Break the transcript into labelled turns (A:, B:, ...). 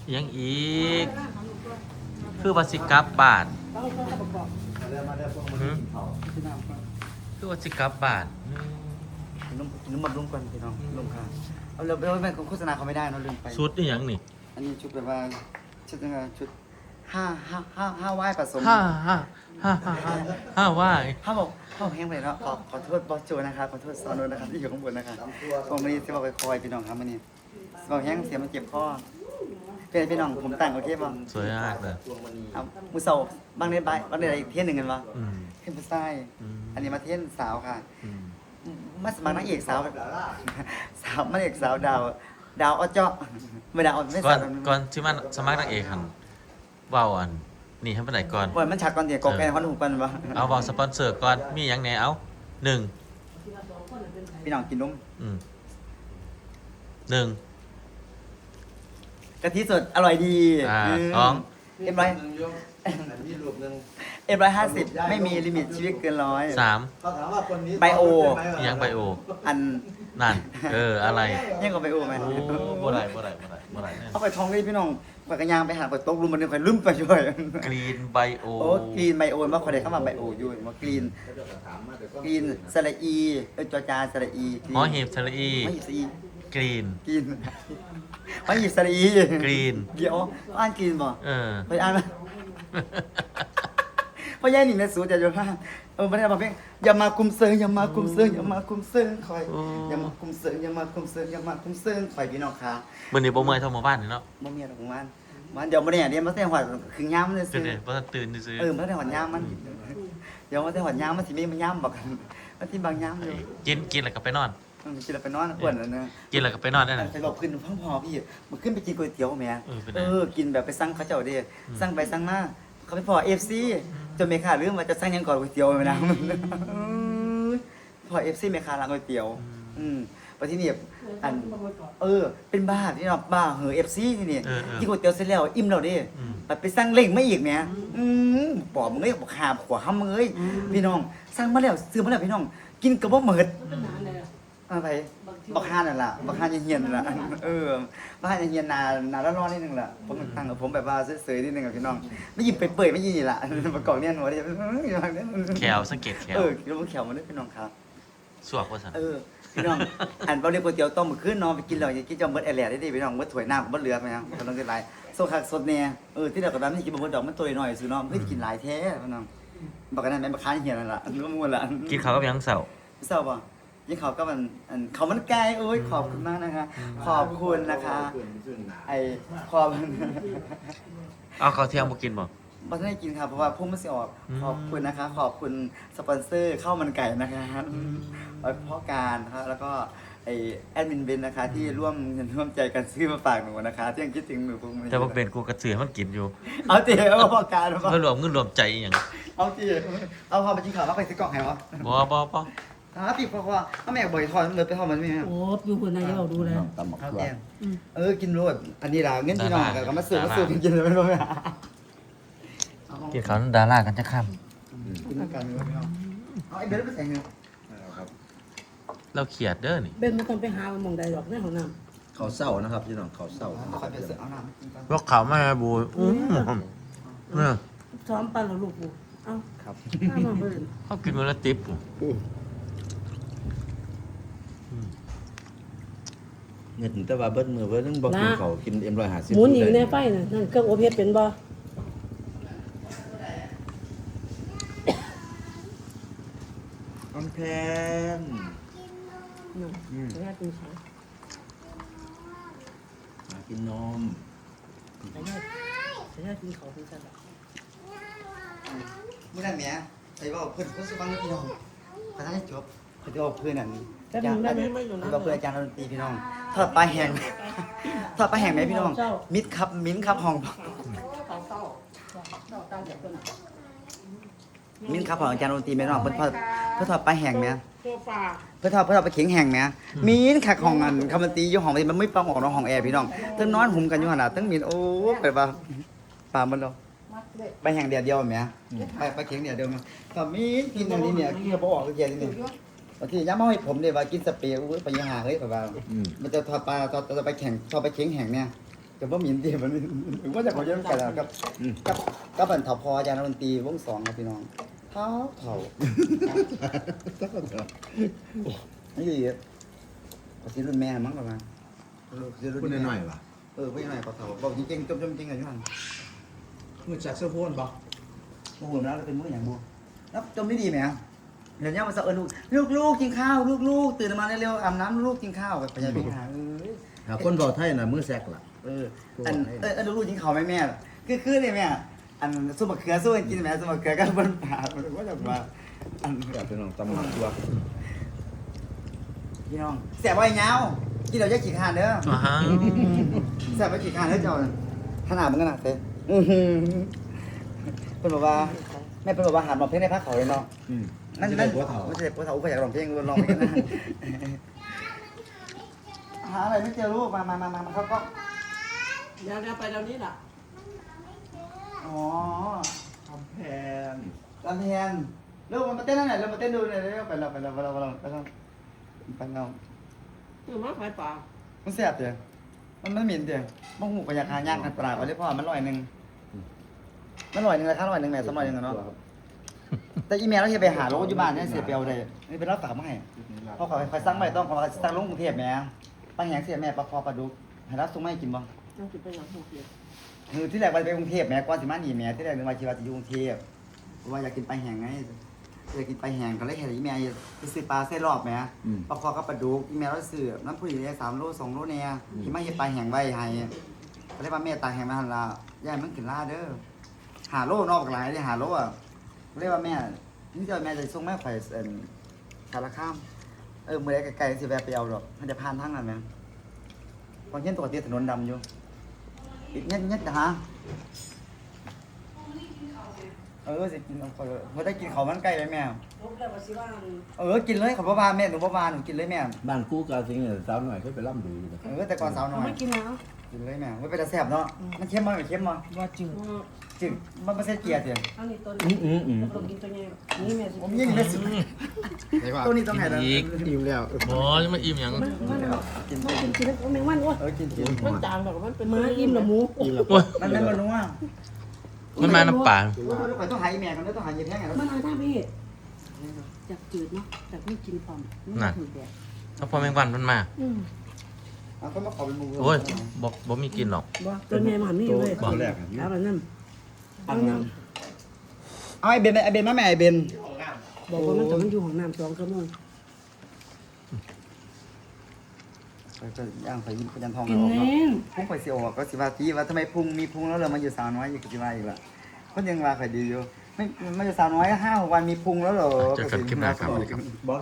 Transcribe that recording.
A: ยังอีกคือว่าสิกลับบ้านหือคือว่าสิกลับบ้าน
B: นุ่มบำรุงก่อนพี่น้องลงค่ะเอาเร็วไม่โฆษณาเขาไม่ได้เนาะลืมไป
A: ชุดนี่ยังนี่
B: อันนี้ชุดแบบว่าชุดยังไงชุดห้าไหว้ผสม
A: ห้าว่า
B: ห้าบอกห้าแห้งไปเนาะขอโทษบอสโจนะครับขอโทษซอนนนะครับที่อยู่ข้างบนนะครับผมวันนี้จะบอกไปคอยพี่น้องครับวันนี้บอกแห้งเสียมันเจ็บคอเป็นพี่น้องผมแต่งโอเคป่ะ
A: สวยมากเลย
B: เอามือเสาบางเดือนไปบางเดือนอีกเที่ยนหนึ่งกันวะ
A: อืม
B: เที่ยนผู้ชายอันนี้มาเที่ยนสาวค่ะ
A: อืม
B: มาสมัครนางเอกสาวสาวนางเอกสาวดาวอ้อเจาะไม่ดาวไม่
A: ก่อ
B: สาวน
A: ก่อนที่มันสมัครนางเอกหันเว้าอันนี่ให้ไปไหนก่อน
B: ก่อนมันฉากก่อนเดี๋ยวกอกแกนเขาหนุ่มกันวะ
A: เอาเว้าสปอนเซอร์ก่อนมีหยังแหน่เอาหนึ่ง
B: พี่น้องกินนม
A: หนึ่ง
B: กะทิสดอร่อยดี
A: สอง
B: เอ็มร้อย50ไม่มีลิมิตชีวิตเกินร้อย
A: สาม
C: เขาถามว่าคนนี้
B: ไบโอ
A: ยังไบโอ
B: อัน
A: นั่นอะไร
B: ยังกับไบโอไหม
A: โอ้บ่ได้แน่
B: เอาไปท้องเลยพี่น้องปากกระยางไปหาไปตกลุมมันนึงไปลืมไปช่วย
A: กรีนไบโอ
B: โอ้กรีนไบโอมาคนใดเข้ามาไบโออยู่มากรีนกรีนสระอีจอจาสระอี
A: หอหีบทะเลอี
B: หอหีบสระอี
A: กรีน
B: กรีนหอหีบสระอี
A: กรีน
B: เดี๋ยวอ่านกรีนบ่
A: เออ
B: ไปอ่านเพราะย่าหนิงในสูตรจะอยู่ว่าไม่ได้มาเพ่งอย่ามาคุมเซิงอย่ามาคุมเซิงอย่ามาคุมเซิงคอยอย่ามาคุมเซิงอย่ามาคุมเซิงอย่ามาคุมเซิงคอยพี่น้องค่ะ
A: มื้อนี้บ่เมื่อยเท่าหมู่บ้านนี่เนาะ
B: บ่มีอะไรของมันเดี๋ยวบ่ได้อย่างเดียวมาแต่หัวคือย่ามมัน
A: เป็
B: ซื้
A: น
B: อ
A: ไงบ่ทันตื่นซื่อ
B: มาแต่หัวย่ามมันเดี๋ยวมาแต่หัวย่ามมันสิมีมันย่ามบอกกันมันสิบางย่ามอยู่
A: กินแล้วก็ไปนอน
B: กินแล้วไปนอนอ้วนแล้วนะ
A: กินแล้วก็ไปนอนได้น่ะ
B: ไปบอกขึ้นพ่อพอพี่มันขึ้นไปกินก๋วยเตี๋ยวแม่
A: เป็นไง
B: กินแบบไปสั่งเขาเจ้าดิสั่งไปสั่งมาเขาไปพอ FC จนเมคาลืมว่าจะสั่งยังก่อนก๋วยเตี๋ยวไปนะพอ FC เมคาร้านก๋วยเตี๋ยวไปที่นี่อันเป็นบ้าที่เนาะบ้าเหอ FC ที่นี่กินก๋วยเตี๋ยวเสร็จแล้วอิ่มแล้วดิไปสั่งเล่งไม่อีกแม่ปอบมึงเอ้ยบอกหาขวาห้ำมึงเอ้ยพี่น้องสั่งมาแล้วซื้อมาแล้วพี่น้องกินกับบ่เหมิดอะไรบักฮานนั่นล่ะบักฮานเฮียนนั่นล่ะบักฮานเฮียนนาร้อนๆนิดนึงล่ะผมตั้งกับผมแบบว่าเสยๆนิดนึงกับพี่น้องไม่ยิ้มเปื่อยๆไม่ยิ้มนี่ล่ะประกอบเนี่ยหนูว่า
A: แขวสังเกตแขว
B: คิดว่าแขวมันได้พี่น้องครับ
A: สวกว่าซั่น
B: พี่น้องอันเราเรียกก๋วยเตี๋ยวต้มมื้อคืนนอนไปกินแล้วอย่ากินจอมเบิดแอแหล่ได้ดิพี่น้องเบิดถ้วยน้ำก็บ่เหลือไปนะกำลังจะหลายโซคักสดแน่ที่เดียวกับนั้นนี่กินบ่เบิดดอกมันตัวน้อยซื่อน้องเฮ้ยกินหลายแท้พี่น้องบอกกันนั่นแม่นบักฮานเฮียนนั่นล่ะรู้มั่วล่ะ
A: กินข้าวกับหยังเสาร์
B: พี่สาวบอกยิ่งเขาก็มันเขามันไกลโอ้ยขอบคุณมากนะคะ ขอบคุณนะคะ ไอขอบ
A: เอาข้าวเที่ยงบ่กินบ่
B: บัตรให้กินค่ะเพราะว่าพุ่งมันสิออกขอบคุณนะคะ ขอบคุณสปอนเซอร์ข้าวมันไก่นะคะไว้พ่อการนะคะแล้วก็ไอแอดมินเบนนะคะ ที่ร่วมเงินร่วมใจกันซื้อมาฝากหนูนะคะที่ยังคิดถึงหนูพุ่ง
A: แต่บ่เป็นกูกระเสือมันกินอยู่
B: เอาเตี๋ยวพ่อการ
A: เพื่อรวมเงินรวมใจอหย่าง
B: เอาเตี๋ยวเอาพอไปกินข้าวแล้วไปซื้อกล่องให้วะ
A: บ่
B: ปีเพราะว่าถ้าแม่บ่อยทอดเลยไปทอดมันไม่แม่
D: โอ้อยู่คนนายเราดูแล
C: ตำหมัก
B: เอา
C: ตัว
B: เตี๋ยวกินรวดอันนี้ล่ะเงินพี่น้องก็มาซื้อกินเลยไม่รู้
A: กินข้าวดารากันจะค่ำ
B: กินกันเลยพี่น้องเอาไอ้เบลไปใส่เงิน
A: เราเขียดเด้อนี่
D: เบนไม่ต้องไปหาหมองใดหรอกในห้องน้
C: เขาเศร้านะครับพี่น้องเขาเศร้า
B: คอยไปซื้อเอาน้ำกินกัน
A: พวกเขาไม่บูเนี่ย
D: ำซ้อมปันหรอลูกกูเอ้า
B: ครับ
D: ข้ามาเบิ่น
A: เขากินมื้อละติ๊บ
C: เงินแต่ว่าเบิ้มือเบิ้นึงบอกกินเขากินM150
D: หมุนอยู่ในไฟน่ะนั่นเครื่องอบเฮ็ดเป็นบ่
C: อันแพน
D: นั่นแม่กินข้าว
C: มากินนม
D: แต่แม่กินข้าวเป็นซั่นล่ะ
B: มื่อนั้นแม่ไอ้ว่าเพื่อนก็สบังพี่น้องพนันจบเขาจะเอาเพื่อนอันนี้ว่าเพื่อนอาจารย์ดนตรีพี่น้องทอดปลาแห้งทอดปลาแห้งไหมพี่น้องมิดครับมิ้นครับห้องมิ้นครับของอาจารย์ดนตรีแม่น้องเพื่อนทอดปลาแห้งไหม
D: โซฟา
B: เพื่อทอดไปเข็งแห้งไหมมิ้นคักห้องอันคำดนตรีอยู่ห้องมันไม่ปังออกน้องห้องแอร์พี่น้องตั้งนอนหุ่มกันอยู่ขนาดตั้งมิ้นโอ้แบบว่าปลามันเราไปแห้งเดียวไหมไปเข็งเดียวมาก็มิ้นกินอันนี้เนี่ยกินกระบอกออกเกียร์นี่บางทีย้ำมาให้ผมเลยว่ากินสเปรย์ไปยังหาเฮ้ยแบบว่ามันจะทอดปลาทอดไปแข่งทอดไปเข็งแห้งเนี่ยแต่ว่ามีนดีมันว่าจะขอเยอะกันแล้วกับเป็นถอพออาจารย์ดนตรีวง2ครับพี่น้องเท่านี่ดีภาษีรุ่นแม่มั้งประมาณ
C: พูดหน่อยๆว่ะ
B: พูดหน่อยเท่าบอกจริงๆจมจริงกันอยู่หั่น
C: มือจักเสื้อโพนบ่
B: โอ้โหแล้วเป็นมื้ออย่างบัวแล้วจมไม่ดีไหมเดี๋ยวนี้มันจะลูกกินข้าวลูกตื่นมาเร็วๆอาบน้ำลูกกินข้าวแบบพยายามไปหา
C: ถ้าคนเว้าไทยน่ะมือแซกล่ะ
B: ลูกกินข้าวไหมแม่คือเลยแม่อันซุปมะเขือสู้กันกินแม่ซุปมะเขือก็บนป่ามันก็จะว่าอัน
C: อยากเป็นน้องตำหนักตัว
B: พี่น้องแสบไว้เงากินเราจะขี้คานเด้อ
A: ว้าว
B: แสบไว้ขี้คานเด้อเจ้าขนาดมันขนาดเต้เพิ่นบอกว่าแม่เพิ่นบอกว่าหันมาเพลงในภาคเขาเลยเนาะนั่นไม่ใช่ปัวเถาอยากร้องเพลงร้องเพลงกันนะหาอะไรไม่เจอลูกมาเขาก็
D: เดี๋ยวไปเดี๋ยวนี้ล่ะ
B: อ๋อ
C: ทำแพน
B: ลำแพนลูกมันมาเต้นนั่นแหละเรามาเต้นดูเลยไปเรา
D: คือมาขายปลา
B: มันแสบเดียวมันเหม็นเดียวมองหูกระยาคายากกันปลาไว้เลยพ่อมัน100นึงมัน100นึงราคา100นึงแม่200นึงเนาะแต่อีเมลเราจะไปหาโลกอยู่บ้านเนี่ยเสียเปรียวเลยนี่เป็นรับฝากมาให้พ่อขอไปสั่งใหม่ต้องขอสั่งลงกรุงเทพแม่ปังแหงเสียแม่ปลาคอปลาดุกให้รับส่งมาให้กินบ่
D: ต้องกินไปหลังหัวเกียร์
B: คือที่แรกว่าไปกรุงเทพแม่ก่อนสิมานี่แม่ที่แรกนึกว่าชีวาจะอยู่กรุงเทพเพราะว่าอยากกินปลาแห้งไงอยากกินปลาแห้งก็เลยเห็นอีแม่ไปซื้อปลาเส้นรอบแม่ปลาคอกับปลาดุกอีแม่เราซื้อน้ำผู้หญิงได้3 โล 2 โลเนี่ยที่มาเฮ็ดปลาแห้งไว้ให้ก็เลยว่าแม่ตาแห้งมาหั่นล่ะยายมันขึ้นลาเด้อ5 โลนอกหลายได้5 โลอ่ะก็เลยว่าแม่นี่เจ้าแม่จะส่งแม่ข่อยสารคามมื้อใดไกลๆสิแวะไปเอาดอกมันจะผ่านทางนั้นแม่ตอนเย็นปกติถนนดำอยู่อีกเงี้ยนะฮะสิกินเอาเขาได้กินเขามันไก่เลยแม่
D: ลบแล้วว่าสิว่า
B: กินเลยเขาบ่าแม่หนูบ่าหนูกินเลยแม่
C: บ้านกู้กาสิงสาวหน่อยเคยไปล่ำดูอยู่
B: แต่ก่อนสาวน้อย
D: ไม่กินแล้ว
B: กินเลยแม่ไม่เป็นตาแซ่บเนาะมันเค็มมั้ยเค็มมั้ย
D: ว่าจืด
B: จึงมันไม่ใช่เกียร์เสีย
D: อันนี้ตัวนี้เรากินตัวนี้นี่แม่สิ
B: ผมยิ่งไม่สุดตัวนี้ต้องไหนแล้ว
C: อิ่มแล้ว
A: โอ้ยมาอิ่มหยัง
D: มันกินแมงวันวะ
B: กิน
D: มันจางแบบมันเป็นม้าอิ่มละหมู
C: อิ่มแล้ว
A: โอ้ย
B: มันไม่มานัว
A: มันมาน้ำป่า
B: ไปต้องหายแม่กันต้องหายเย็นแห้งไง
D: มันอะไรท่าพี่จากจืดเนาะจากไม่กินความไม่ถึงแบบ
A: ถ้าพอแมงวันมันมา
B: เขามาขอเป็นมือ
A: โอ้ยบ่มีกินหรอก
D: บ่ตัวแม่มันนี่เลย
C: ตัวแรก
D: แล้วแบบนั้น
B: เอาไอเบนมาแม่ไอเบน
D: บอกว่ามันแต่มันอยู่ของน้ำ2 ชั่วโมง
B: ก็ย่างไปยิ้มยันทอง
D: กิน
B: ออก
D: เอ
B: เนาะ
D: ง
B: พุ่งไปเสียวก็สิว่าที่ว่าทำไมพุ่งมีพุ่งแล้วเรามาอยู่สาวน้อยอยู่กับสิว่าอีกล่ะคนยังว่าข่อยดีอยู่ไม่มาอยู่สาวน้อย5-6 วันมีพุ่งแล้วเหรอ
A: เจอกันคลิปหน้าครับ
C: บอส